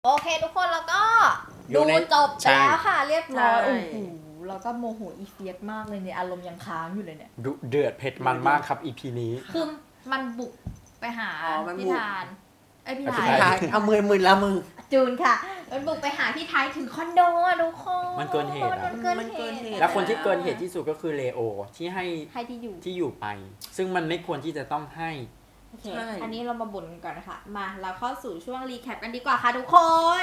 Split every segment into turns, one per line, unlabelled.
โอเคทุกคนแล้วก็
อยู่
ดู
ใน
จบไปแล้วค่ะเรียบร้อย
ใช่
โอ้โหแล้วก็โมโหอีเฟียสมากเลยเนี่ยอารมณ์ยังค้างอยู่เลยเนี่ย
ดุเดือดเผ็ดมันมากครับ EP นี้
คือมันบุกไปหา
มันบุ
พี่
ก
ธานพี่
พี่
ไท
ไท
ย
เอามือละมือ
จูนค่ะ มันบุกไปหาพี่ไทยถึงคอนโดอะทุกคน
มันเกินเหตุอะ
มันเกิน
มันเกิน
เห
เหตุ
ตุ
แล้วคนที่เกินเหตุที่สุดก็คือเลโอที่ให้
ให้ที่อยู่
ที่อยู่ไป ซึ่งมันไม่ควรที่จะต้องให้
โอเค
ใช่
อันนี้เรามาบ่นกันก่อนนะคะมาเราเข้าสู่ช่วงรีแคปกันดีกว่าค่ะทุกคน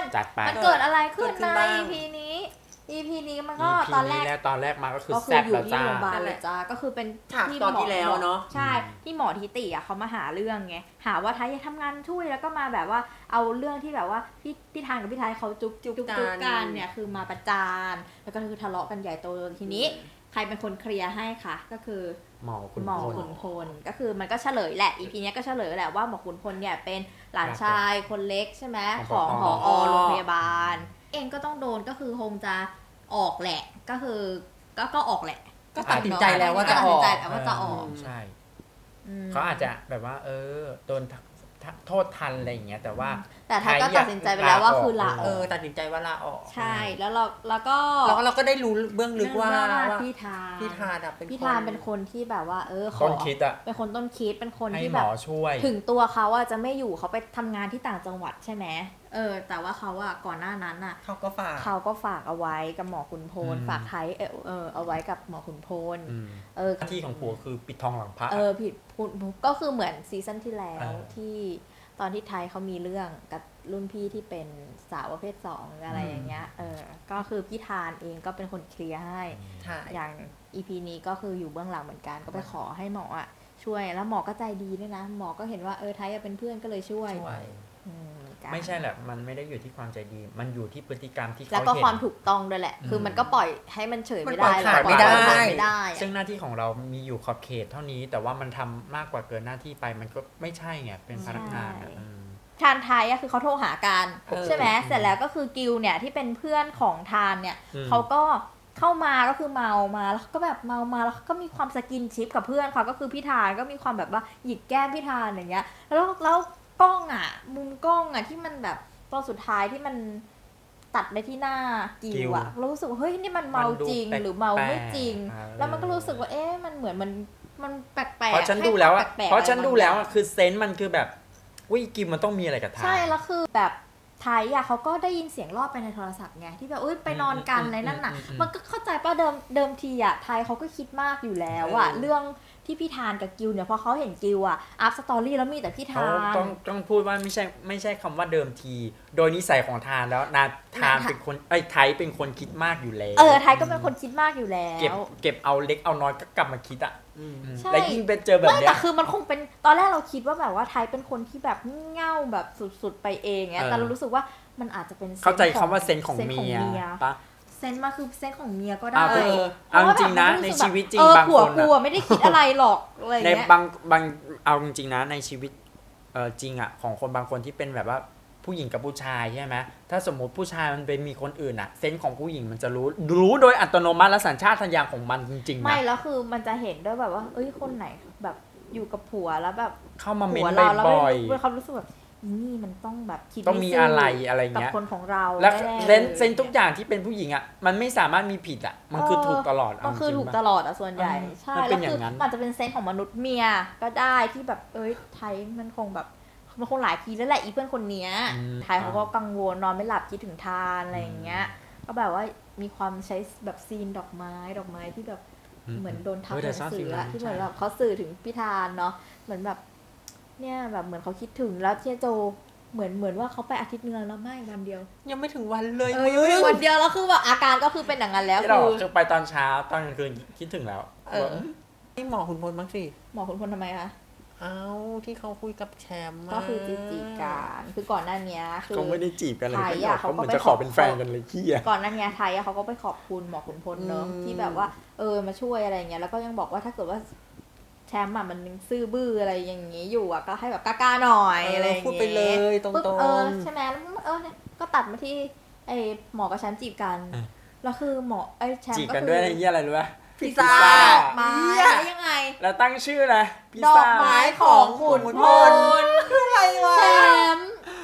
จัดไป
มันเกิดอะไรขึ้น
เกิดขึ้
ใน
นบ้าง
EP นี้ EP นี้มันก็
EP
ตอนแร
นี้
ก
แล้วตอนแรกมาก็คือ
ก็คือ
แซ่บ
อยู่
แล้ว
ที่
จ้า
โรงพยาบาลเลยจ้าก็คือเป็น
ฉาก
ที่
ตอน
หมอ
ที่แล้วเนอะ
ใช่ที่หมอทิติอ่ะเขามาหาเรื่องไงหาว่าไทยทำงานช่วยแล้วก็มาแบบว่าเอาเรื่องที่แบบว่าพี่ทานกับพี่ไทยเขาจุ๊บกันเนี่ยคือมาประจานแล้วก็คือทะเลาะกันใหญ่โตทีนี้ ใครเป็นคนเคลียร์ให้คะก็คือ
หมอคุณ
หมอ
พล
ขุนพลก็คือมันก็เฉลยแหละ EP เนี้ยก็เฉลยแหละว่าหมอขุนพลเนี่ยเป็นหลานชายคนเล็กใช่ไหม
ข
ข
อ
อง ง
ผ
ผ
อ
อโรงพยาบาล เองก็ต้องโดนก็คือคงจะออกแหละก็คือก็ออกแหละ
ก็ตัดสินใจแล้วว่าจะออก
ตัดสินใจแล้วว่าจะออก
ใช่
อืม
เขาอาจจะแบบว่า โดนโทษทันอะไรอย่างเงี้ยแต่ว่า
แต่ไทยก็ตัดสินใจไปแล้วว่าคือลาอ
เอ
อ
อก ตัดสินใจว่าลาออก
ใช่แล้วก็
แล้วเราก็ได้รู้เบื้องลึกว่า
พี่ทาน
พี่ทานอะเป็น
พี่ทานเป็นคนที่แบบว่าขอ
ต้นคิดอะ
เป็นคนต้นคิดเป็นคน
ให้
ที่
หม
แบบ
อช่วย
ถึงตัวเขาอะจะไม่อยู่เขาไปทำงานที่ต่างจังหวัดใช่ไหมแต่ว่าเขาอะก่อนหน้านั้นอะ
เขาก็ฝาก
เขาก็ฝากเอาไว้กับหมอขุนพล
อืม
ฝากไทยเอาไว้กับหมอขุนพล
อืม
เออ
หน้าที่ของผัวคือปิดทองหลังพระ
ผิดพูดก็คือเหมือนซีซั่นที่แล้ว
เออ
ที่ตอนที่ไทยเขามีเรื่องกับรุ่นพี่ที่เป็นสาวประเภทสองอะไรอย่างเงี้ยก็คือพี่ทานเองก็เป็นคนเคลียร์ให้
ใช่
อย่าง EP นี้ก็คืออยู่เบื้องหลังเหมือนกันก็ไปขอให้หมออ่ะช่วยแล้วหมอก็ใจดีด้วยนะหมอก็เห็นว่าไทยเป็นเพื่อนก็เลยช่วย
ช่วย
กัน
ไม่ใช่แหละมันไม่ได้อยู่ที่ความใจดี มันอยู่ที่พฤติกรรมที่เขา
แล้วก็
เห็น
ความถูกต้องด้วยแหละ คือมันก็ปล่อยให้มันเฉยไม่ได้
มันปล่อยผ่านไม่ได้
ปล่อยผ่านไม่ได้อะ
ซึ่งหน้าที่ของเรามีอยู่ขอบเขตเท่านี้ แต่ว่ามันทำมากกว่าเกินหน้าที่ไปมันก็ไม่ใช่ไงเป็นพนักงานอะ
ทานไทยอะคือเขาโทรหากัน
เออ
ใช่ไหมเสร็จแล้วก็คือกิลเนี่ยที่เป็นเพื่อนของทานเนี่ย
อืม
เขาก็เข้ามาก็คือเมามาแล้วเขาก็แบบเมามาแล้วเขาก็มีความสกินชิปกับเพื่อนเขาก็คือพี่ทานก็มีความแบบว่าหยิกแก้มพี่ทานอย่างเงี้ยแล้วกล้องอ่ะมุมกล้องอ่ะที่มันแบบตอนสุดท้ายที่มันตัดไปที่หน้ากิลอ่ะเรารู้สึกว่าเฮ้ยนี่มันเมาจริงหรือเมาไม่จริง แล้วมันก็รู้สึกว่ามันเหมือนมันแปลกๆ
เพราะฉันดูแล้วอะ
ให้ความปกๆ
เพราะฉันดูแล้ว
อะไร
อะ
บางอย่าง
คือเซนส์มันคือแบบวิกิมมันต้องมีอะไรกับทาง
ใช่แล้วคือแบบไทยอ่ะเขาก็ได้ยินเสียงรอบไปในโทรศัพท์ไงที่แบบไปนอนกันอะไรนั่นน่ะ มันก็เข้าใจป่ะเดิมทีอ่ะไทยเขาก็คิดมากอยู่แล้วอ่ะ
เออ
เรื่องที่พี่ทานกับกิวเนี่ยพอเขาเห็นกิวอ่ะอัพสตอรี่แล้วมีแต่พี่
เขา
ทาน
ต้องพูดว่าไม่ใช่คำว่าเดิมที โดยนิสัยของทานแล้วนาทานเป็นคนไทยเป็นคนคิดมากอยู่แล้ว
ไทยก็เป็นคนคิดมากอยู่แล้ว
เก็บเอาเล็กเอาน้อยก็กลับมาคิดอ่ะ
ใช่
แล้วยิ่งไปเจอแบบ
ไม่
เนี้
แต่
ย
คือมันคงเป็นตอนแรกเราคิดว่าแบบว่าไทยเป็นคนที่แบบงี่เง่าแบบสุดๆไปเองไง
เออ
แต่เรารู้สึกว่ามันอาจจะเป็นซนส์
เข้าใจคำว่าเซนส์ของ
ซส์
เมียปะ
เซนส์มาคือเซนส์ของเมียก็
อ่ะ
ได้
เอาจริงๆนะในชีวิตจริงบาง
ผัว
คน
กู
อะ
อะไม่ได้คิดอะไรหรอกอะไร
ใน
เงี้ย
บางเอาจริงๆนะในชีวิตจริงอ่ะของคนบางคนที่เป็นแบบว่าผู้หญิงกับผู้ชายใช่ไหมถ้าสมมติผู้ชายมันไปมีคนอื่นอ่ะเซนส์ของผู้หญิงมันจะรู้โดยอัตโนมัติและสัญชาตญาณของมันจริงๆ
ไม่
นะ
แล้วคือมันจะเห็นด้วยแบบว่าคนไหนแบบอยู่กับผัวแล้วแบบ
เข้ามาเม้
ผั
น
วเราแล้ว
บ่อย
เขารู้สึกแบบนี่มันต้องแบบคิด
ต้องมีอะไรอะไร
กับ
เงี้ย
คนของเรา
แล้ว
แน่ๆ
เซนส์ทุกอย่างที่เป็นผู้หญิงอ่ะมันไม่สามารถมีผิดอ่ะมันคือถูกตลอด
มันคือ
เาจริงๆ
ถูก
ปะ
ตลอดอะส่วนใหญ่ใช่
มันเป็
แล้ว
นอย่า
คื
งนั้น
มันจะเป็นเซนส์ของมนุษย์เมียก็ได้ที่แบบไทยมันคงแบบมันคงหลายทีแล้วแหละอีเพื่อนคนเนี้ยไทยเขาก็กังวลนอนไม่หลับคิดถึงทานอะไรอย่างเงี้ยก็แบบว่ามีความใช้แบบซีนดอกไม้ที่แบบเหมือนโดนทับหนังสืออะที่เหมือนแบบเขาสื่อถึงพี่ทานเนาะเหมือนแบบเนี่ยแบบเหมือนเขาคิดถึงแล้วเที่ยโจเหมือนว่าเขาไปอาทิตย์นึงแล้วไม่วันเดียว
ยังไม่ถึงวันเลย
ยังไม่ถึงวันเดียวแล้วคือแบบอาการก็คือเป็นอย่างนั้นแล้ว
ที่เราคือไปตอนเช้าตอนกลางคืนคิดถึงแล้ว
นี่หมอขุนพลบ้างสิ
หมอคุณพลทำไมคะ
เอาที่เขาคุยกับแชมป์
ก็คือจีบกันคือก่อนหน้านี้คือ
ก็ไม่ได้จีบกันเลย
ไทยอะ
เขาเหมือน
เขาก็ไป
จะขอเป็นแฟนกันเลยขี้อ่ะ
ก่อนหน้านี้ไทยอะเขาก็ไปขอบคุณหมอขุนพลเนอะที่แบบว่ามาช่วยอะไรเงี้ยแล้วก็ยังบอกว่าถ้าเกิดว่าแชมป์อะมันยังซื่อบื้ออะไรอย่างงี้อยู่อะก็ให้แบบกล้าๆหน่อยอะไรอย่างเงี้ย
พูดไปเลยตรง
ปุ๊บ
ๆ
ใช่ไหมแล้วเนี่ยก็ตัดมาที่ไอหมอกับแชมป์จีบกันแล้วคือหมอแชม
จีบ
ป์ก็
กัน
คื
ด้วย
อ
อะไรเงี้ยอะไรรู้ป่ะ
พิซซ่า
ดอกไม้แล้วยังไง
แล้วตั้งชื่ออะไรพิซ
ดอ
ซ่าก
ไม้ของขุนพล
คืออะไรวะ
แชมป์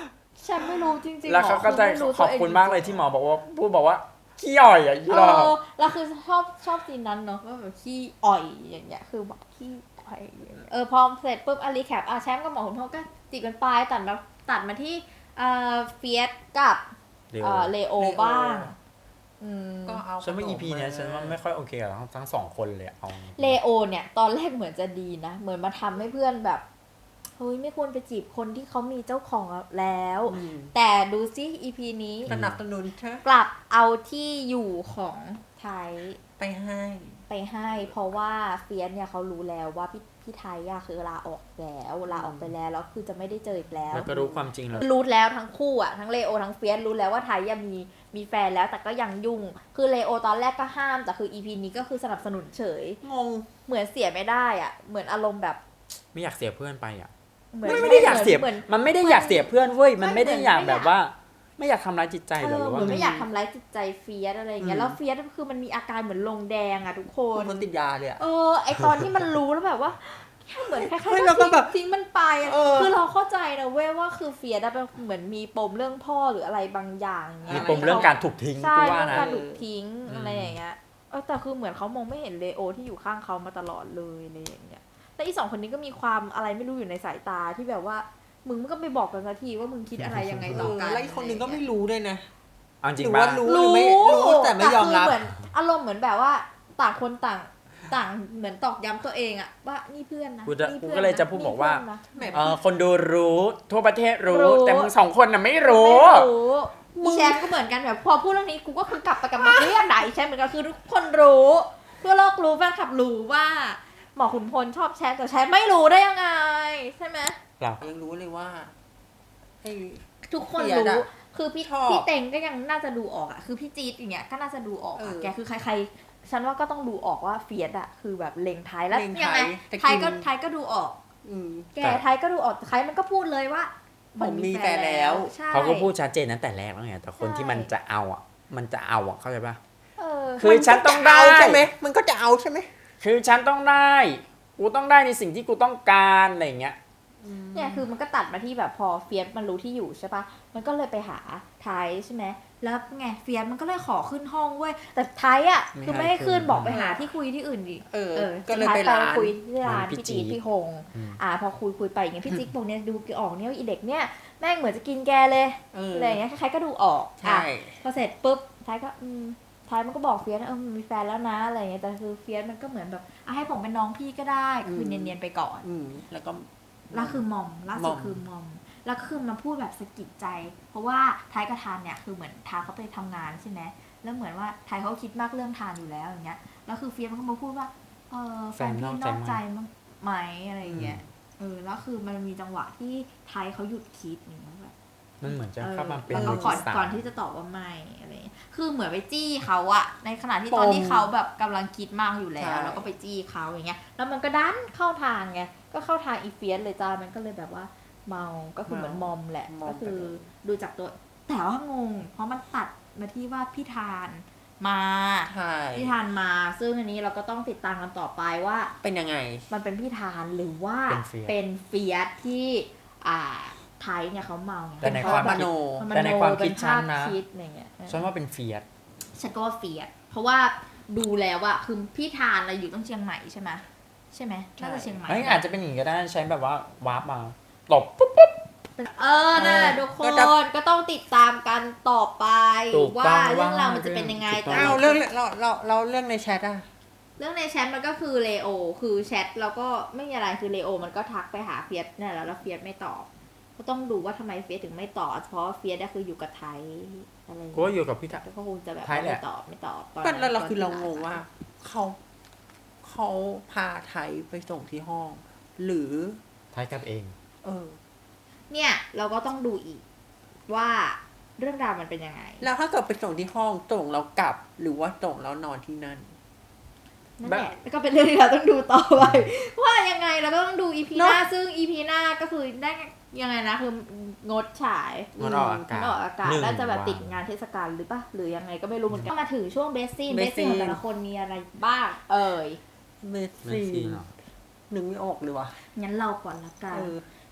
ฉันไม่รู้จริงๆ
แล้วเขาก็จะ
ไม่รู้
ขอบ
ตัวง
คุณมากเลยที่หมอบอกว่าพูดบอกว่าขี้อ่อยอ่ะยี่
เอ
หรอ
อแล้วคือชอบซีนนั้นเนาะว่าแบบขี้อ่อยอย่างเงี้ยคือแบบขี้อ่อยอย่างเงี้ยพอเสร็จปุ๊บรีแคปแชมป์กับหมอขุนพลก็จีบกันไปตัดมาที่เฟียสกับเลโอบ้าง
ก็เอา
ฉันว่า EP เนี้ยฉันว่าไม่ค่อยโอเคกับทั้งสองคนเลยเอา
เลโอเนี่ยตอนแรกเหมือนจะดีนะเหมือนมาทำให้เพื่อนแบบเฮ้ยไม่ควรไปจีบคนที่เขามีเจ้าของแล้ว แต่ดูซิ EP นี้
สนับสนุนเธอก
ลับเอาที่อยู่ของไทย
ไปให้
ไปให้เพราะว่าเฟียสเนี่ยเขารู้แล้วว่าพี่ไทยอะคือลาออกไปแล้วคือจะไม่ได้เจออีกแล้ว
แล้วก็รู้ความจริงแล้ว
รู้แล้วทั้งคู่อะทั้งเลโอทั้งเฟียสรู้แล้วว่าไทยยังมีแฟนแล้วแต่ก็ยังยุ่งคือเลโอตอนแรกก็ห้ามแต่คือ EP นี้ก็คือสนับสนุนเฉย
งง
เหมือนเสียไม่ได้อะเหมือนอารมณ์แบบ
ไม่อยากเสียเพื่อนไปอ่ะ
เหมือน
ไม่ได้อยากเสีย
เหมือน
มันไม่ได้อยากเสียเพื่อนเว้ยมันไม่ได้อยาก
ไม่
แบ
อยาก
บว่า ไม่อยากทำร้ายจิตใจหรอหรือ
เห
ว่า
มือนไม่
ไง
อยากทำร้ายจิตใจเฟียสอะไรอย่างเงี้ยแล้วเฟียสคือมันมีอาการเหมือนลงแดงอะทุกคน
คนติดยาเลยอะ
ไอตอนที่มันรู้แล้วแบบว่าเหมือนคล้าย
เฮ้ย
ๆ
แล้วก็แบบ
ทิ้งมันไปอะ คือเราเข้าใจนะเว้ยว่าคือเฟียสเป็นเหมือนมีปมเรื่องพ่อหรืออะไรบางอย่างเงี้
มี
ย
ปมเรื่องการถูกทิ้ง
ใช่
กูว่า
เรื่อง
นะ
การถูกทิ้งอะไรอย่างเงี้ยแต่คือเหมือนเขามองไม่เห็นเลโอที่อยู่ข้างเขามาตลอดเลยอะไรอย่างเงี้ยแต่อีสองคนนี้ก็มีความอะไรไม่รู้อยู่ในสายตาที่แบบว่ามึงก็ไม่บอกกันสักทีว่ามึงคิดอะไรยังไงต่อกัน
แล้วอีกคนหนึ่งก็ไม่รู้ด้วยนะ
เอาจริ
ห
ง
รือ
ปะ
ว่ารู้หรือไม่รู้แต่ไม่ยอมรับ
คือเหมือนอารมณ์เหมือนแบบว่าต่างคนต่างเหมือนตอกย้ำตัวเองอะว่านี่เพื่อนนะ
กูจะ
นี่
กู
พื่อน
ก็เลยจะพูด
นี่
บอกว่า
เพื่อนนะ
แหม
คนดูรู้ทั่วประเทศรู้
รู้
แต่มึงสองคนน่ะไม่รู้
ไม่รู้อีแชมป์ก็เหมือนกันแบบพอพูดเรื่องนี้กูก็คือกลับไปกับเรื่องไหนแชมป์เหมือนกันคือทุกคนรู้ทั่วโลกรู้แฟนคลับรู้ว่าหมอขุนพลชอบแชมป์แต่แชมป์ไม่รู้ได้ยังไงใช่ไหม
ยังรู้เลยว่าไอ้
ทุกคน
เฟียส
รู้
อะ
คือพี่
ชอบ
เต็งก็ยังน่าจะดูออกอะคือพี่จี๊ดอย่างเงี้ยก็น่าจะดูออกอะแกคือใครๆฉันว่าก็ต้องดูออกว่าเฟียสอะคือแบบเล็งไทยแล้ว
เล็ง
ยังไง
แต่
ไทยก็ดูออก
อืม
แกไทยก็ดูออกไทยมันก็พูดเลยว่า
ผมมีแฟนแล้ว
ใช่
เขาก็พูดชัดเจนตั้งแต่แรกแล้วไงแต่คนที่มันจะเอาอ่ะเข้าใจปะ คื
มัน
ฉันต้องได้
ใช่ไหมมันก็จะเอาใช่ไหม
คือฉันต้องได้กูต้องได้ในสิ่งที่กูต้องการอะไรอย่างเงี้ย
เนี่ยคือมันก็ตัดมาที่แบบพอเฟียสมันรู้ที่อยู่ใช่ปะมันก็เลยไปหาไทยใช่ไหมแล้วไงเฟียสมันก็เลยขอขึ้นห้องเว้ยแต่ไทยอ่ะ
ไม่
คือไม่ให้
ให้ขึ้
ขึ้น
น
บอกไปหาที่คุยที่อื่นดิ
ก็เลยไป
สุดท้
ร้าน
คุยที่ร้าน
ร้านพี่
พี่จีด
จี๊ด
พี่หง
อืม
พอคุยไปอย่างเงี้ยพี่จิ๊กบอกเนี่ยดูออกเนี่ยว่าอีเด็กเนี่ยแม่งเหมือนจะกินแกเลย อะไรอย่างเงี้ยใครๆก็ดูออก
ใช่
พอเสร็จปุ๊บไทยก็ไทยมันก็บอกเฟียสมันมีแฟนแล้วนะอะไรอย่างเงี้ยแต่คือเฟียสมันก็เหมือนแบบให้ผมเป็นน้องพี่ก็ได้คือเนียนๆไปก่อน
แล้วก็
แล้วคือมอมล่าสุด
มอม
คือมอมแล้วคือมาพูดแบบสะกิดใจ เพราะว่าไทยกับทานเนี่ยคือเหมือนทานเขาไปทำงานใช่ไหมแล้วเหมือนว่าไทยเขาคิดมากเรื่องทานอยู่แล้วอย่างเงี้ยแล้วคือเฟียสมันก็มาพูดว่าแฟนพี่นอกใจมั้งไหมอะไรอย่างเงี้ยแล้วคือมันมีจังหวะที่ไทยเขาหยุดคิดอย่างเงี้ยแบบ
มันเหมือนจะเข้ามาเป็น
แล้วก็
มือ
ก่อน
ที่สาม
ก่อนที่จะตอบว่าไม่อะไรอย่างเงี้ยคือเหมือนไปจี้เขาอะในขณะที่ตอนที่เขาแบบกำลังคิดมากอยู่แล้ว แล้วก็ไปจี้เขาอย่างเงี้ยแล้วมันก็ดันเข้าทางไงก็เข้าทางอีเฟียสเลยจ้ามันก็เลยแบบว่าเมาก็คือเหมือนมอมแหละก็คือดูจากตัวแต่ว่างงเพราะมันตัดมาที่ว่าพี่ทานมา
ใช่
พี่ทานมาซึ่งอันนี้เราก็ต้องติดตามกันต่อไปว่า
เป็นยังไง
มันเป็นพี่ทานหรือว่า
เป็นเฟียส
เป็นเฟียสที่ไทยเนี่ยเขาเมาไง
แต่ในความ
ม
คิด
โน
แต่ในความคิดฉันนะ
เป็ภาพคิดอะไรเงี้ย
ฉันว่าเป็นเฟียส
ฉันก็ว่าเฟียสเพราะว่าดูแล้วอะคือพี่ทานเราอยู่ต้องเชียงใหม่ใช่ไหมน่าจะเชียงใหม่
เอ้ยอาจจะเป็นอย่างนี้ก็ได้ใช้แบบว่าวาร์ปมาตบปุ๊บปุ๊บ
นั่นแหละทุกคนก็ต้องติดตามกันต่อไป
ถูกต้
ว่า
อง
เรื่องราวมันจะเป็นยังไง
ถูกต้
แต่
อ้าวเรื่องเราเรื่องในแชทอะ
เรื่องในแชทมันก็คือเลโอคือแชทแล้วก็ไม่มีอะไรคือเลโอมันก็ทักไปหาเฟียสเนี่ยแล้วเฟียสไม่ตอบก็ต้องดูว่าทำไมเฟียสถึงไม่ตอบเพราะเฟียสก็คืออยู่กับไทยอะไรอย่าง
กู
เงี้ย
ว่าอยู่กับพี่ทา
แล้วก็คงจะแบบ
ไทยแหละ
ไม่ตอบตอน
ก็
นั้น
แล้วเราคือ
ต
เรา
น
ง
ที่
งว่าเขาพาไทยไปส่งที่ห้อง หรือ
ไทยกลับเอง
เนี่ยเราก็ต้องดูอีกว่าเรื่องราวมันเป็นยังไง
แล้วถ้าเกิดไปส่งที่ห้องส่งแล้วกลับ หรือว่าส่งแล้วนอนที่นั่น
นั่นแหละก็เป็นเรื่องที่เราต้องดูต่อไป ว่ายังไงเราก็ต้องดูอีพีหน้า
เนอะ
ซึ่งอีพีหน้าก็คือได้ยังไงนะคืองดฉาย
งดออกอากาศ
งดออกอากาศ
หนึ่ง
แล้วจะแบบ
วัน
ติดงานเทศกาลหรือปะหรือยังไงก็ไม่รู้เหมือนกันมาถึงช่วงเบสซีน
Best
ของ
Scene
แต่ละคนมีอะไรบ้าง
เมส
ไม่
ซี่
ซีเนาะ
นึกไม่ออกเลยวะ
งั้นเราก่อนละกัน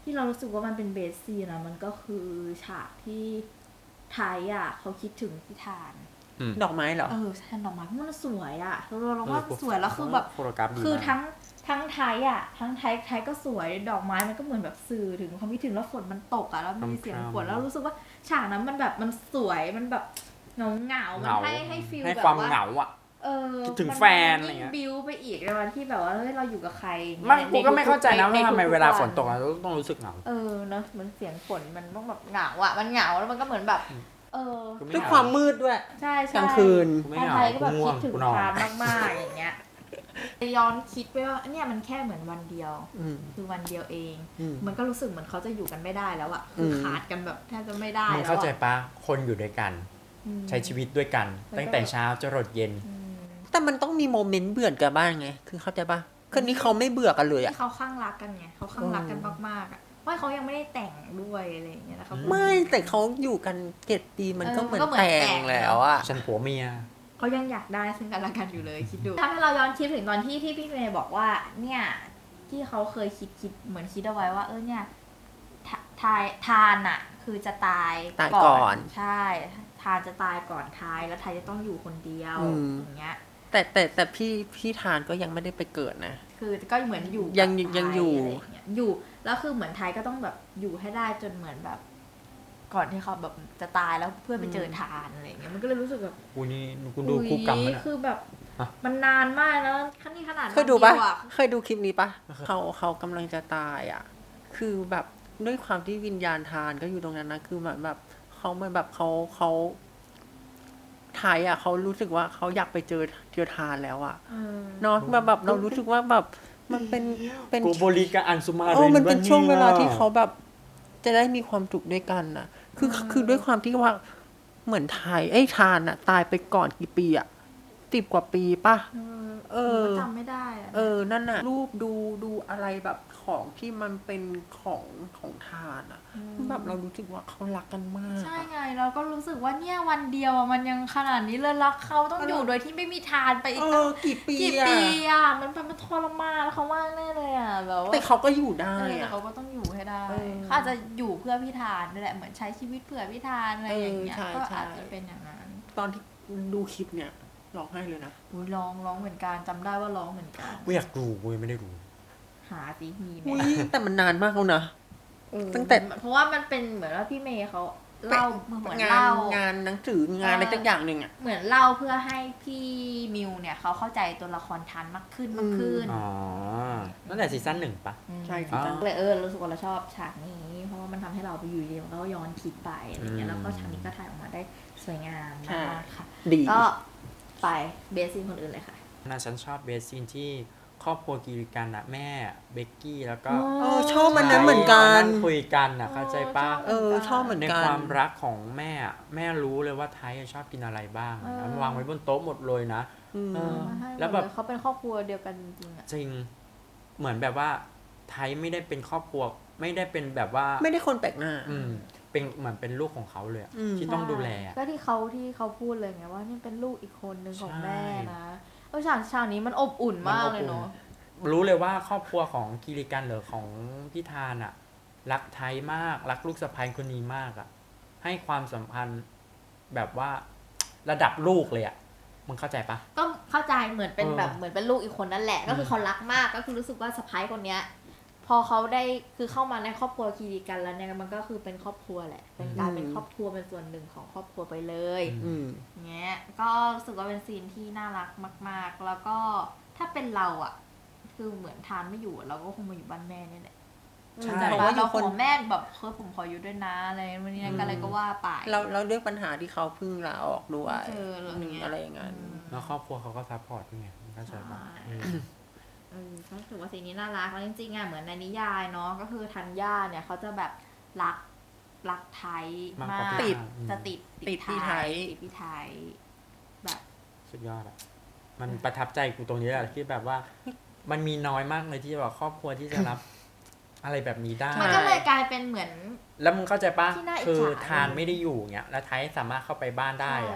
ที่เรารู้สึกว่ามันเป็นเบสซีนนะมันก็คือฉากที่ไทยอ่ะเขาคิดถึงพิธาน
ดอกไม้เหรอ
ใช่ดอกไม้มันสวยอ่ะเราว่าสวยแล้วคือแบบ
โฟโตกราฟดี
คือ
มาก
ทั้งไทยอ่ะทั้งไทยก็สวยดอกไม้มันก็เหมือนแบบสื่อถึงความคิดถึงแล้วฝนมันตกอ่ะแล้วมีเสียงฝนแล้วรู้สึกว่าฉากนั้นมันแบบมันสวยมันแบบเหงามันให้ฟีล
ให้
แบบ
ความ
ว่า
เหงาอ่ะ คิดถึง
มัน
แฟนอะไร
ยิ่ง
เงี้ย
บิวไปอีกในวันที่แบบว่าเฮ้ยเราอยู่กับใคร
ไม่กูก็ไม่เข้าใจนะ
ใน
ว่าทำไม
ทุกๆ
เวลา
วั
ฝนตกเราต้องรู้สึกเหงา
เนอะมันเสียงฝนมันต้องแบบเหงาอ่ะมันเหงาแล้วมันก็เหมือนแบบ
กูไม่
ด้วย
เหง
ความมืดด้วย
ใช่
กลางคืน
กูไม่
ถ้า
เหงา
ไทยก็แบบ
กูง่ว
คิ
ง
ดถึง
กูนอน
ทานมากๆอย่างเงี้ยย้อนคิดไปว่าเนี่ยมันแค่เหมือนวันเดียว
อืม
คือวันเดียวเอง
อืม
มันก็รู้สึกเหมือนเขาจะอยู่กันไม่ได้แล้วอะคืออ
ม
ขาดกันแบบแทบจะไม่ได้
มึง
แล้ว
เข้าใจ
อะ
ปะคนอยู่ด้วยกัน
อืม
ใช้ชีวิตด้วยกัน
มันก็
ตั้งแต่เช้าจรดเย็น
อืม
แต่มันต้องมีโมเมนต์เบื่อกันบ้างไง คือเข้าใจปะคือนี้เขาไม่เบื่อกันเลยอะ
ที่เขาข้างรักกันไงเขาข้างรักกันมากๆอะว่าเขายังไม่ได้แต่งด้วยอะไรอย่างเงี้ยนะครับ
ไม่แต่เขาอยู่กัน7 ปีมันก็เหมือน
มันก็เหมือน
แต่
แต่
ง
ง
แล้วอะ
ฉันผัวเมีย
เขายังอยากได้ซึ่งกันและกันอยู่เลยคิดดูถ้าให้เราย้อนคิดถึงตอนที่พี่เมย์บอกว่า เนี่ยที่เขาเคยคิดเหมือนคิดเอาไว้ว่าเนี่ยทานอะคือจะตาย
ตายก่อน
ใช่ทานจะตายก่อนทายแล้วทายจะต้องอยู่คนเดียวอย่างเงี้ย
แต่พี่ทานก็ยังไม่ได้ไปเกิดนะ
คือก็เหมือนอยู่
ยัง
กับ
ยัง
ไท
อยู่
ะไรางเงี้อยู่แล้วคือเหมือนไทยก็ต้องแบบอยู่ให้ได้จนเหมือนแบบ ก่อนที่เขาแบบจะตายแล้วเพื่อไปเจอทานอะไรอย่างเงี้ยมันก็เลยรู้สึกแบบ
กูนี่กูดูคู่กรรมมัน
คือแบบ
ฮะ
มันนานมากนะขนาด
เคยดูปะ
วันเยวอ
เคยดูคลิปนี้ปะเขากำลังจะตายอ่ะ คือแบบด้วยความที่วิญญาณทานก็อยู่ตรงนั้นนะคือเหมือนแบบเขาเหมือนแบบเขาไทยอ่ะเขารู้สึกว่าเขาอยากไปเจอทานแล้วอ่ะ
เออ
เนาะแบบเรารู้สึกว่าแบบมันเป็น
กูบริการอันสุมาริน
มันเป็นช่วงเวลาที่
นี่ย
เขาแบบจะได้มีความสุขด้วยกันน่ะ คือด้วยความที่ว่าเหมือนไทยทานอ่ะ ตายไปก่อนกี่ปีอ่ะ10 กว่าปีป่ะ เออ
จำไม่ได้อะ
นั่นน่ะ รูปดูอะไรแบบของที่มันเป็นของทานอ่ะแบบเรารู้สึกว่าเขารักกันมาก
ใช่ไงเราก็รู้สึกว่าเนี่ยวันเดียวอะมันยังขนาดนี้เลยรักเขาต้องอยู่โดยที่ไม่มีทานไปอีกตั้ง
กี่ปี
กี่
อะ
ปีอะมันทรมานเขามากแน่เลยอะแบบว่า
แต่เขาก็อยู่ได้
แต่
อะ
เขาก็ต้องอยู่ให้ได้
เออ
เขาอาจจะอยู่เพื่อพี่ทานนี่แหละเหมือนใช้ชีวิตเพื่อพี่ทานอะไรอย่างเงี้ย
ใช่
ก็
ใช่
อาจจะเป็นอย่างนั้น
ตอนที่ดูคลิปเนี่ยร้องไห้เลยนะ
อุ๊ยร้องเหมือนกันจำได้ว่าร้องเหมือนกัน
กูอยากดูกูยังไม่ได้ดู
หาสิมีไหม
อุ้ยแต่มันนานมากแล้วนะตั้งแต่
เพราะว่ามันเป็นเหมือนว่าพี่เมย์เขาเล่าเหมือน
งาน
เล่า
งานหนังสืองานอะไรสักอย่างหนึ่งอ่ะ
เหมือนเล่าเพื่อให้พี่มิวเนี่ยเขาเข้าใจตัวละครทันมากขึ้น
อ๋อตั้งแต่ซีซั่น1ปะ
ใช่
อ๋อ
เลยรู้สึกว่าเราชอบฉากนี้ เพราะว่ามันทำให้เราไปอยู่ดีแล้วก็ย้อนคิดไปอะไรเงี้ยแล้วก็ฉากนี้ก็ถ่ายออกมาได้สวยงามมากค่ะ
ดี
ก็ไปเบสซีนคนอื่นเลยค่ะ
น่าฉันชอบเบสซีนที่ครอบครัวกิริกันอะแม่เบกกี้แล้วก็
ชอบมันนั้นเหมือนกัน
คุยกันอะเข้าใจปะ
ชอบเหมือน
ใน
กัน
ความรักของแม่อะแม่รู้เลยว่าไทยอะชอบกินอะไรบ้างอะมันวางไว้บนโต๊ะหมดเลยนะ เออ แล้
แล้ว
ว
แบ
แบบ บ
เขาเป็นครอบครัวเดียวกันจริงๆอ่ะ
จริงเหมือนแบบว่าไทยไม่ได้เป็นครอบครัวไม่ได้เป็นแบบว่า
ไม่ได้คนแปลกหน้า
เป็นเหมือนเป็นลูกของเขาเลยอะ
อืม
ที่ต้องดูแลอะ
ก็ที่เขาพูดเลยไงว่านี่เป็นลูกอีกคนหนึ่งของ
ใช่
แม่นะฉากนี้มันอบอุ่นมากเลยเนาะ
รู้เลยว่าครอบครัวของกิริกันหรือของพี่ทานอะรักไทยมากรักลูกสะใภ้คนนี้มากอะให้ความสัมพันธ์แบบว่าระดับลูกเลยอะมึงเข้าใจปะ
ก็เข้าใจเหมือนเป็น
เออ
แบบเหมือนเป็นลูกอีกคนนั่นแหละ ก็คือเขารักมากก็คือรู้สึกว่าสะพ้ายคนเนี้ย พอเขาได้คือเข้ามาในครอบครัวคีรีกันแล้วเนี่ยมันก็คือเป็นครอบครัวแหละเป็นการเป็นครอบครัวเป็นส่วนหนึ่งของครอบครัวไปเลย
อืม
เงี้ยก็รู้สึกว่าเป็นซีนที่น่ารักมากๆ แล้วก็ถ้าเป็นเราอ่ะ คือเหมือนทานไม่อยู่เราก็คงมาอยู่บ้านแม่เนี่ยแหละ
ใช่
แต่
เพราะ
ว่า
ว่าอยู่
เรา
คน
ขอแม่แบบผมขออยู่ด้วยนะอะไรวันนี้อะไรก็ว่าไป
เราเรื่องปัญหาที่เขาเพิ่งลาออกด้วย อะไรอย่างนั้น
แล้วครอบครัวเขาก็ซัพพอร์ตด้วยไงมึงเข้าใจปะ
ใช่ก็ถือว่าซีนนี้น่ารักแล้วจริงๆอ่ะเหมือนในนิยายเนาะก็คือธัญญาเนี่ยเขาจะแบบรักไทยมาก
ติด
จะติด
ติดพี่ไทย
ติดพี่ไทยแบบ
สุดยอดอะมันประทับใจกูตรงนี้แหละที่แบบว่า มันมีน้อยมากเลยที่แบบครอบครัวที่จะรับ อะไรแบบนี้ได้
มันก็เลยกลายเป็นเหมือน
แล้วมึงเข้าใจปะ
ที่น่าอิจฉา
คือทานไม่ได้อยู่เงี้ยแล้วไทยสามารถเข้าไปบ้านได้อะ
ใช่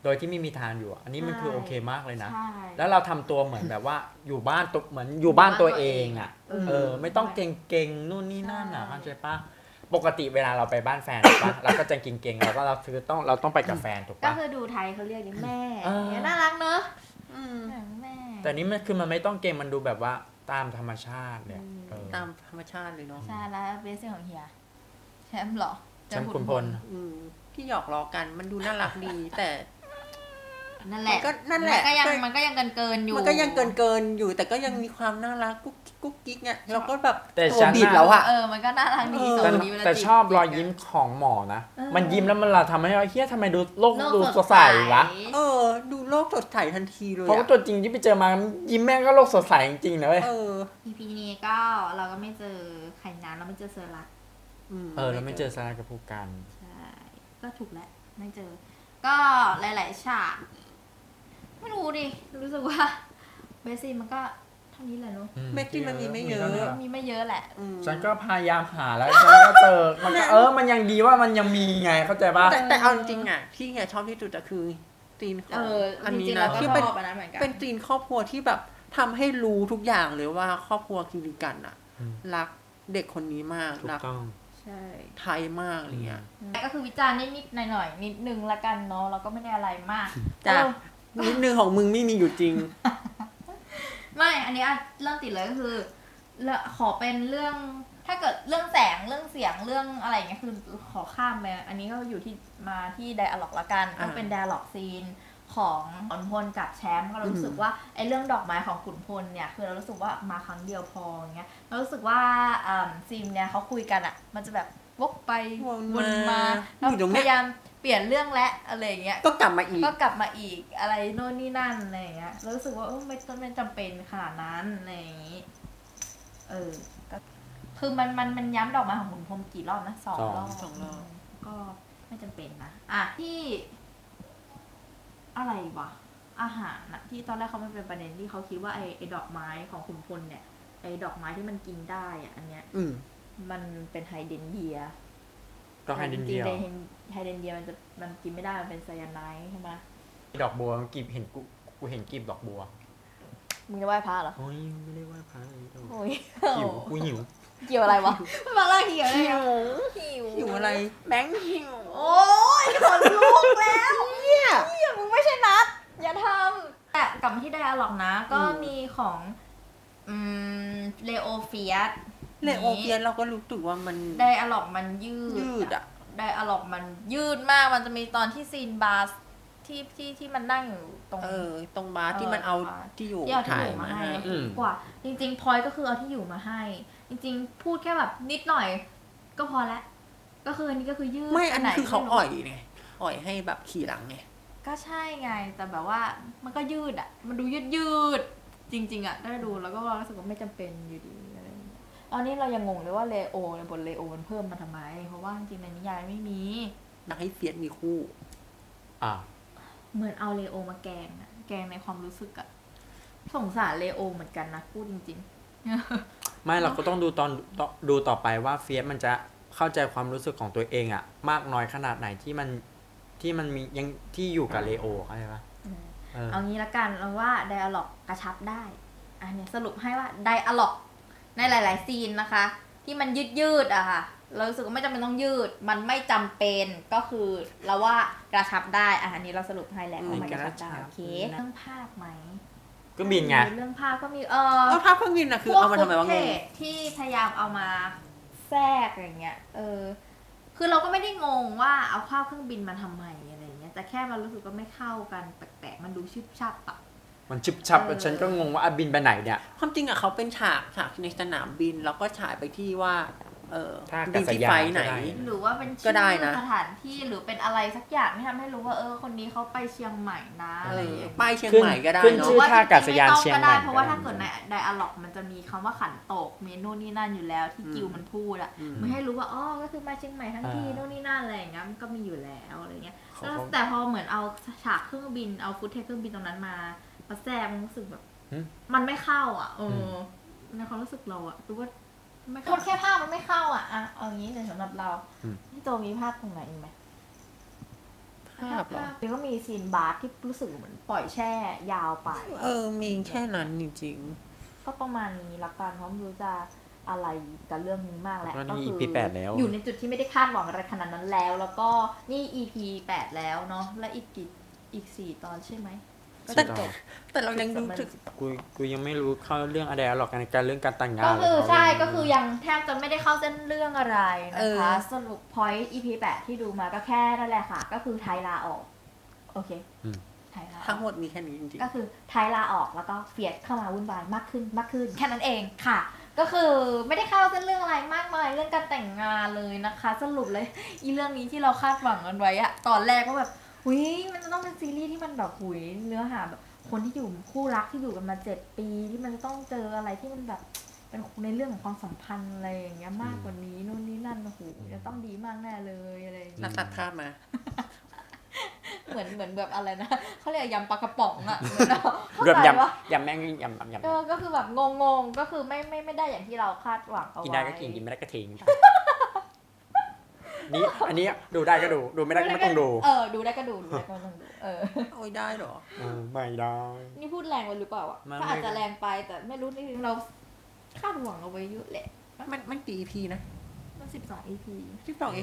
โดยที่ไม่มีทางอยู่อะอันนี้มันคือโอเคมากเลยนะ
ใช่
แล้วเราทำตัวเหมือนแบบว่าอยู่บ้านตัวเหมือนอยู่บ้านตัวเองอ่ะ ไม่ต้องเก่งๆนู่นนี่นั่นอ่ะเข้าใจปะปกติเวลาเราไปบ้านแฟนถูกปะเราก็จะเก่งๆเราก็เราต้องไปกับแฟนถูก
ก็
ปะ
คือดูไทยเขาเรียกนี่แม่
เออ
เนี่ยน่ารักเนอะ
อืม
แม่
แต่นี้มันคือมันไม่ต้องเก่งมันดูแบบว่าตามธรรมชาติเลยเออ
ตามธรรมชาติเลยเนาะ
ใช่แล้วเบสของเฮียแชมป์เหรอ
แชมป์ขุนพล
ที่หยอกล้อกันมันดูน่ารักดี แต่
นั่นแหละ
มันก็นั่นแหละ
มันก็ยังเกินอยู่
มันก็ยังเกินอยู่ แต่ก็ยังมีความน่ารักกุ๊กกิ๊กเนี่ยเราก็แบบ
แต่
ตัว
ฉัน
บิดแล้วอะ
มันก็น่ารักดี
เออ
สอ
แต่
งนี้เวลา
แต่
จี
ชอบรอยยิ้มของหมอนะ
เออ
มันยิ้มแล้วมันเราทำให้เราเฮียทำไมดูโลกดูสดใสวะ
เออ ดูโลกสดใสทันทีเลย
เพราะว่าตัวจริงที่ไปเจอมายิ้มแม่งก็โลกสดใสจริงๆนะเว้ย
เออ
EP นี้ก็เราก็ไม่เจอไข่น้ำเราไม่เจอเซอร์รัก
เราไม่เจอซาร่ากับผู้กัน
ใช่ ก็ถูกแล้วไม่เจอ ก็หลายๆฉากไม่รู้ดิ รู้สึกว่าเบสซี่มันก็เท่านี้แหละเนาะ
เมกกี้มันมีไม่เยอะ
มีไม่เยอะแหละ
ฉันก็พยายามหาแล้วฉันก็เจอมันก็มันยังดีว่ามันยังมีไงเข้าใจป่ะ
แต่เอาจริงๆอ่ะที่เฮียชอบที่สุดอะคือซีนของอันนี้
จริงๆ
นะ
เราก็
ที่
ช
เป็น
อบอันนั้นเหมือนกัน
เป็นซีนครอบครัวที่แบบทำให้รู้ทุกอย่างเลยว่าครอบครัวคิริกันอะ
อืม
รักเด็กคนนี้มาก
ถู
รั
ก
ก
ต้อง
ใช่
ไทยมากอะไรเงี้ย
ก็คือวิจารณ์นิดๆหน่อยๆนิดนึงละกันเนาะเราก็ไม่ได้อะไรมาก
จ้ะ นิดนึงของมึงไม่มีอยู่จริง
ไม่ อันนี้เรื่องติดเลยก็คือขอเป็นเรื่องถ้าเกิดเรื่องแสงเรื่องเสียงเรื่องอะไรอย่างเงี้ยคือขอข้ามไปอันนี้ก็อยู่ที่มาที่ไดอะล็อกละกันก็เป็นไดอะล็อกซีนของขุนพลกับแชมป์ก็รู้สึกว่าไอ้เรื่องดอกไม้ของขุนพลเนี่ยคือเรารู้สึกว่ามาครั้งเดียวพออย่างเงี้ยเรารู้สึกว่าซีนเนี่ยเขาคุยกันอ่ะมันจะแบบวกไป
วนมา
แล้ว
อยู่ตรงเนี้
พ
ย
ยายามเปลี่ยนเรื่องและอะไรอย่างเงี้ย
ก็กลับมาอีก
ก็กลับมาอีกอะไรโน่นนี่นั่นอะไรอย่างเงี้ยแล้วรู้สึกว่าไม่จำเป็นขนาดนั้นอะไรอย่างงี้ก็คือมันย้ำดอกไม้ของขุนพรหมกี่รอบนะ2 รอบ
สองรอบ
ก็ไม่จำเป็นนะที่อะไรวะอาหารนะที่ตอนแรกเขาไม่เป็นประเด็นที่เขาคิดว่าไอ้ดอกไม้ของขุนพลเนี่ยไอ้ดอกไม้ที่มันกินได้อะอันเนี้ย มันเป็นไฮเดรนเยีย
ก็ให้ดินเดียว
ไฮเดรนเยียมันกินไม่ได้มันเป็นไซยาไนด์ใช่ไหม
ดอกบัวกีบเห็นกูเห็นกีบดอกบัว
มึงจะไหว้พระเหรอ
โอ้ยไม่ได้ว่าพระเลย
โอ้ย
หิวกูหิว
เกี่ยวอะไรวะมาล่าเกี่ยวอะไรอะหิว
อยู่อะไร แบงค์หิว
โอ้ยขนลุกแล้วเนี่ยมึงไม่ใช่นัดอย่าทำแต่กลับมาที่ไดอะล็อกนะ ก็มีของเลโอเฟียส
เลโอเปียนเราก็รู้สึกว่ามัน
ไดอะล็อกมันยืด
อ่ะ
ไดอะล็อกมันยืดมากมันจะมีตอนที่ซีนบาร์ที่มันนั่งอยู่ตรง
ตรงบาร์ที่มันเอาที่อยู่
ที่เอาที่
ถ่า
อย ยู่มา
มา
ให้
ให้
กว่า จริงๆพลอยก็คือเอาที่อยู่มาให้ จริงๆ พูดแค่แบบนิดหน่อย ก็พอแล้วก็คืออันนี้ก็คือยืด
ไม่อันนี้
ห
คือเขาอ่อยไงอ่อยให้แบบขี่หลังไง
ก็ใช่ไง แต่แบบว่ามันก็ยืดอ่ะ มันดูยืดจริงๆอ่ะได้ดูแล้วก็รู้สึกว่าไม่จำเป็นอยู่ดีอะไรอย่างเงี้ยตอนนี้เรายังงงเลยว่าเลโอในบทเลโอมันเพิ่มมาทำไม เพราะว่าจริงๆในนิยายไม่มี
อยากให้เฟียสมีคู่
เหมือนเอาเลโอมาแกงอะแกงในความรู้สึกอะสงสารเลโอเหมือนกันนะพูดจริง
ไม่เราก็ต้องดูดูต่อไปว่าเฟียสมันจะเข้าใจความรู้สึกของตัวเองอะมากน้อยขนาดไหนที่มันมียังที่อยู่กับเลโอเข้าใจปะ
ๆเอางี้ละกันเราว่าไดอะล็อกกระชับได้อันนี้สรุปให้ว่าไดอะล็อกในหลายๆซีนนะคะ ที่มันยืดอะค่ะเรารู้สึกว่าไม่จำเป็นต้องยืด มันไม่จำเป็นก็คือเราว่ากระชับได้อันนี้เราสรุปให้แล้วว่ามันกระชับได้โอเคเรื่องภาพไหม
ก็บินไง
เรื่องภาพก็มี
ก็ภาพเครื่องบินอะคือเอามาทำไมวะงง
ที่พยายามเอามาแทรกอย่างเงี้ยคือเราก็ไม่ได้งงว่าเอาภาพเครื่องบินมาทำไมอะไรเงี้ยแต่แค่มันรู้สึกว่าไม่เข้ากันแปลกๆมันดูชิบชับอะ
มันชิบชับฉันก็งงว่าบินไปไหนเนี่ย
ความจริงอะเขาเป็นฉากในสนามบินแล้วก็ฉายไปที่ว่า
ท่า
บิ
อาน ศ
ที่
ยาน
ไฟล์ไหน
ก็ได้
หรือว่าเป็น
ก็
ชื่
ได้
อ
นะ
สถานที่หรือเป็นอะไรสักอย่างที่ทำให้รู้ว่าคนนี้เขาไปเชียงใหม่นะอะไรอย่างเงี้ย
ป้ายเชียงใหม่ก็ได้
ขึ้น
เนาะ
ชื่อท่าอากาศยานเชียงใหม่
เพราะว่าถ้าเกิดในไดอะล็อกมันจะมีคำว่าขันโตกเมนูนี่นั่นอยู่แล้วที่กิวมันพูดอะมันให้รู้ว่าก็คือมาเชียงใหม่ทั้งทีโน่นนี่นั่นอะไรอย่างเงี้ยมันก็มีอยู่แล้วอะไรเงี้ยแล้วแต่พอเหมือนเอาฉากเครื่องบินเอาฟุตเทจเครื่องบินตรงนั้นมาแทรกมันรู้สึกแบบมันไม่เข้าอ่ะในความรู้สึกเราอ่ะรู้ว่าคนแค่ภาพมันไม่เข้าอ่ะเอางี้เลยสำหรับเราพี่โจมีภาพตรงไหนอีกไหม
5 เหรอ
แล้วก็มีซีนบาร์ที่รู้สึกเหมือนปล่อยแช่ยาวไป
มีแค่นั้นจริง
ก็ประมาณนี้ละกันเพราะไม่รู้จะอะไรกับเรื่องนี้มากแหละ
แล้วนี่
ก็
EP 8แล้ว
อยู่ในจุดที่ไม่ได้คาดหวังอะไรขนาดนั้นแล้ว แล้วก็นี่ EP 8 แล้วเนาะและอีก4 ตอนใช่ไหมก็จะจบ
ๆ แต่เรายังรู้สึก
กูยังไม่รู้เข้าเรื่องอะไรหรอกในการเรื่องการแต่งงาน
ก็คือ
เลย
ใช่
เขา
ก็คือยังแทบจะไม่ได้เข้าเส้นเรื่องอะไรนะคะ
เออ
สรุป point EP 8 ที่ดูมาก็แค่นั่นแหละค่ะ ก็คือไทยลาออก โอเคไทยลาออก
ทั้งหมดมีแค่นี้จริง
ก็คือไทยลาออกแล้วก็เฟียดเข้ามาวุ่นวายมากขึ้นแค่นั้นเองค่ะ ก็คือไม่ได้เข้าเส้นเรื่องอะไรมากมายเรื่องการแต่งงานเลยนะคะ สรุปเลยอีเรื่องนี้ที่เราคาดหวังกันไว้อะตอนแรกก็แบบหุยมันจะต้องเป็นซีรีส์ที่มันแบบหุยเนื้อหาแบบคนที่อยู่คู่รักที่อยู่กันมา7 ปีที่มันจะต้องเจออะไรที่มันแบบเป็นในเรื่องของความสัมพันธ์อะไรอย่างเงี้ยมากกว่านี้นู่นนี่นั่นโอ้โหจะต้องดีมากแน่เลยอะไรอย่าง
ๆ
เงี้ย
นักตัดภาพมา
เหมือนแบบอะไรนะเขาเรียกยำปลากระป๋องอะเหมือนเราเข้า
เกือบ
ใจ
ยำ
ว่า
ยำแม่งยำ
ก็คือแบบงงก็คือไม่ได้อย่างที่เราคาดหวังเอาไว้
กินได้ก็กินไม่ได้ก็ทิ้งนี่อันนี้ดูได้ก็ดูไม่ได้ก็ไม่ต้องดู
ดูได้ก็ดูได้ก็ไม่ต้องดู
โอ้ยได้เหรอ
ไม่ได้
นี่พูดแรงไปหรือเปล่าอ่ะ
มัน
ถ้าอาจจะแรงไปแต่ไม่รู้นี่เราคาดหวังเอาไว้เยอะแหละ
มันกี่ EP นะ
มัน12 EP
12เอง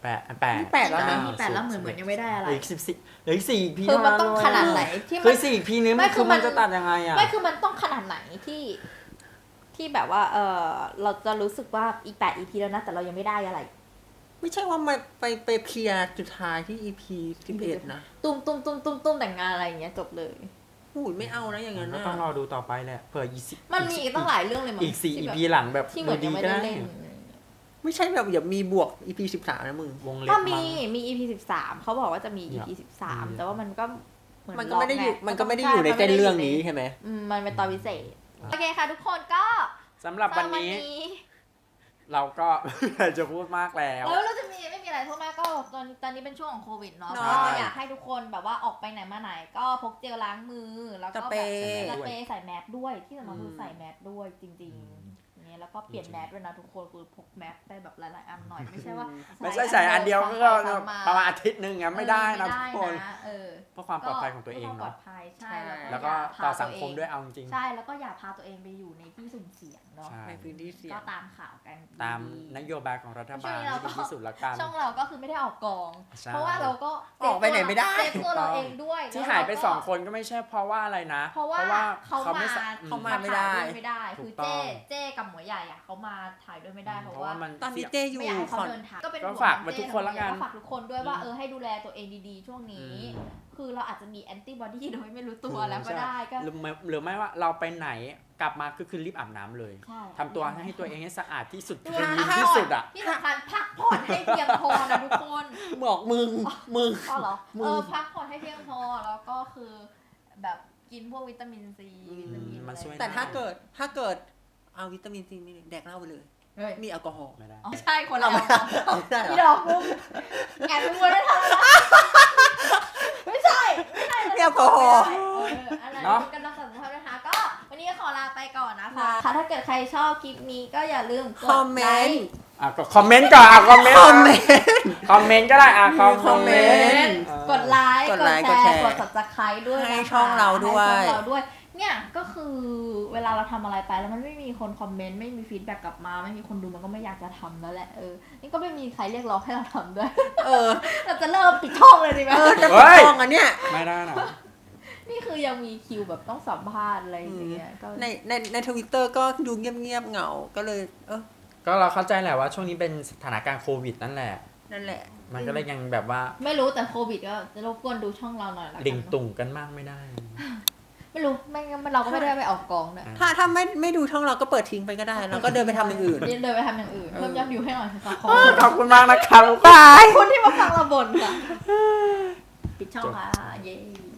8
นี่8แล้วนะ
มี8แล้วเหมือนยังไม่ได้อะไร
อีก14เหลืออีก4 EP
คือมันต้องขนาดไหนที่
คื
มั
อน4 EP นี้
ไม่
มัน
คื
คือ อ
มั
มัน นจะตัดยังไงอ่ะ
ไม่คือมันต้องขนาดไหนที่แบบว่าเราจะรู้สึกว่าอีก8 EP แล้วนะแต่เรายังไม่ได้อะไร
ไม่ใช่ว่ามาไปเคลียร์จุดท้ายที่ EP 11นะ
ตุ้มแต่งงานอะไรอย่างเงี้ยจบเลย
หูยไม่เอานะอย่างนั้น
ก็
นะ
ต้องรอดูต่อไปแหละเผื่อ
มันมีอีกตั้งหลายเรื่องเลยมั้ง
อีก4
ที่
EP
แบบ
หลังแบบ
ที่เหมือนยังไม่ได้เล่น
ไม่ใช่แบบอย่ามีบวก EP 13นะมึง
วงเล็บ
ถ้า
มั้ง
มี EP 13เขาบอกว่าจะมี EP 13แต่ว่ามันก็เหมือน
มันก็ไม่ได้อยู่
ล็กง
มันก็ไม่ได้อยู่ในเส้นเรื่องนี้ใช่ไหม
มันเป็นตอนพิเศษโอเคค่ะทุกคนก็
สำหรับวันนี้ เราก็ จะพูดมากแล้ว
แล้วเราจะไม่มีอะไรเท่ามากก็ตอนนี้เป็นช่วงของโควิดเนาะ
ใช่
ก็อยากให้ทุกคนแบบว่าออกไปไหนมาไหน ก็พกเจลล้างมือแล้วก็
ส
แบบ
เปรย์
สเปรย์ใส่แมสด้วยที่สำคัญคือใส่แมสด้วยจริงๆอย่างเงี้ยแล้วก็เปลี่ยนแมสด้วยนะทุกคนคือพกแมสได้แบบหลายๆอันหน่อยไม่ใช่ว่า
ไม่ใช่ใส่อันเดียวก็
ซ้ำไปซ้ำมา
ประมาณอาทิตย์หนึงอ่ะไม่ได้นะทุกคน
ไม่ได้ะ
เพื่อความปลอดภัยของตัวเอง
พื่ความปลอ
เนาะ
ดภัยใช่
แล้วก็
อย่าพา
ต่อสังคมด้วยเอาจริง
ใช่แล้วก็อย่าพาตัวเองไปอยู่ในที่สุ่มเสี่ยงเนาะ
ใช่
ในพื้นที่เสี่ย
ก็
ง
ตามข่าวกัน
ตาม
ดีๆ
นโยบายของรัฐบาล
ช่วงนี้เรา
ให้
ก็
ดีที่สุดละกัน
ช่องเราก็คือไม่ได้ออกกอง
ใช่
เพราะว่าเราก็
ออกไปไหนไม่ได้
เซฟตัวเราเองด้วย
ที่
แล้ว
หายไป
เรก็
2 คนก็ไม่ใช่เพราะว่าอะไรนะ
เพราะว่าเขา
ไม่
มา
สะ
เขามาไม่ได้
ถ่ยวยไม่ได้
ถู
คือก
ต้อง
เจ้กับหมวยใหญ่อะเขามาถ่ายด้วยไม่ได้เพราะ
เพราะ
ว่า
ว่ามัน
ตอนนี้
เสี่ยง
เจอยู่
ไม่อยากให้
ข
เขา
อน
เดินทางก็เป็น
ก็
ห่วง
ฝากไว้ทุกคนละกัน
ก็ฝากทุกคนด้วยว่าให้ดูแลตัวเองดีๆช่วงนี้ คือเราอาจจะมีแอนติบอดีโดยไม่รู้ตัวแล้วก็ได้ก็
หรือไม่ว่าเราไปไหนกลับมาคือรีบอาบน้ำเลย
ใช่
ทำตัวให้ตัวเองให้สะอาดที่สุด
ดู
คลีน
พัก
ที่
ผ่อน
สุดอ่ะ
ที่สำคัญพักผ่อนให้เพียงพอนะทุกคน
บอกมึง
ก็เหรอ
มึง
พักผ่อนให้เพียงพอแล้วก็คือแบบกินพวกวิตามินซีวิตามิน
มันช่วย
แต่ถ้าเกิดเอาวิตามินซีนี่แดกเหล้าไปเลย
เฮ้ย
มีแอลกอฮอล์
ไม่ได้
อ๋อใช่คนละ
เอาได้เหรอ
พี่ดอกมุกแอบไปมัวได้ทำอะไรไม่ใช่
มีแอลกอฮอล์
อะไรกันรักษาสุขภาพนะคะก็วันนี้ขอลาไปก่อนนะคะถ้าเกิดใครชอบคลิปนี้ก็อย่าลืมก
คอ
ด
มเม
ไล
นต์
ค์
ก็คอมเมนต์ก่อนคอมเมนต์
คอมเมนต์
คอมเมนต์ก็ได้คอมเมนต์
กดไลค์
ก
ก
ด
ด
ไลค์
แช
กดแช
ร์
ร์
กด subscribe ด้วยนะคะ
ให้ช่องเราด้วย
ให้ช่องเราด้วยเนี่ยก็คือเวลาเราทำอะไรไปแล้วมันไม่มีคนคอมเมนต์ไม่มีฟีดแบ็กกลับมาไม่มีคนดูมันก็ไม่อยากจะทำแล้วแหละนี่ก็ไม่มีใครเรียกร้องให้เราทำด้วย เราจะเริ่มปิดช่องเลยดีไหม
จะปิดกล้องอันเนี้ย
ไม่ได้นะ
นี่คือยังมีคิวแบบต้องสัมภาษณ์อะไรอย่างเงี้ยก็
ในทวิตเตอร์ก็ดูเงียบๆเหงาก็เลย
ก็เราเข้าใจแหละว่าช่วงนี้เป็นสถานการณ์โควิดนั่นแหละ
นั่นแหละ
มันก็เลยยังแบบว่า
ไม่รู้แต่โควิดก็จะรบกวนดูช่องเราหน่อยละกัน
ดิ่งตุ่งกันมากไม่ได้
ไม่รู้ไม่งั้นเราก็ไม่ได้ไปออกกองด้วย
ถ้าไม่ดูช่องเราก็เปิดทิ้งไปก็ได้แล้วก็เดินไปทำอย่างอื่น
เดินไปทำอย่างอื่นเพิ่มยอดวิวให้หน่อยค่ะ
ขอบคุณมากนะครับ
บายคนที่มาฟังเราบ่นค่ะปิดช่องค่ะเย้